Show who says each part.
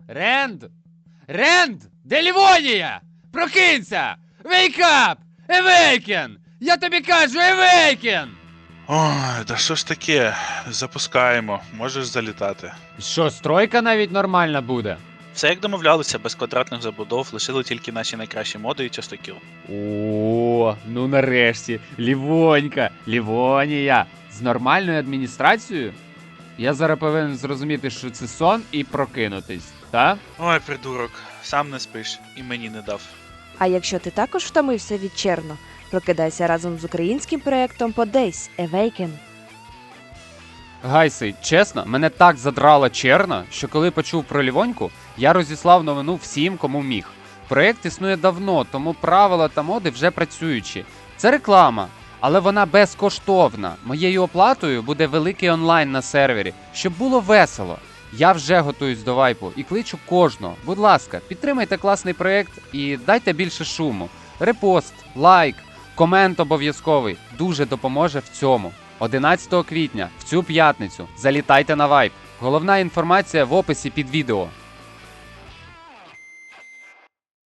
Speaker 1: Ренд? Ренд! Де Лівонія? Прокинься! Wake up! Awaken! Я тобі кажу, awaken!
Speaker 2: Ой, да що ж таке? Запускаємо, можеш залітати.
Speaker 1: Що, стройка навіть нормальна буде?
Speaker 2: Все як домовлялися, без квадратних забудов, лишили тільки наші найкращі моди і частокіл.
Speaker 1: О, ну нарешті, Лівонька, Лівонія. З нормальною адміністрацією? Я зараз повинен зрозуміти, що це сон і прокинутись, та?
Speaker 2: Ой, придурок, сам не спиш і мені не дав.
Speaker 3: А якщо ти також втомився від Черно, прокидайся разом з українським проєктом по Days Awaken.
Speaker 1: Гайси, чесно, мене так задрала черна, що коли почув про Лівоньку, я розіслав новину всім, кому міг. Проєкт існує давно, тому правила та моди вже працюючі. Це реклама, але вона безкоштовна. Моєю оплатою буде великий онлайн на сервері, щоб було весело. Я вже готуюсь до вайпу і кличу кожного. Будь ласка, підтримайте класний проєкт і дайте більше шуму. Репост, лайк, комент обов'язковий дуже допоможе в цьому. 11 квітня, в цю п'ятницю, залітайте на вайп. Головна інформація в описі під відео.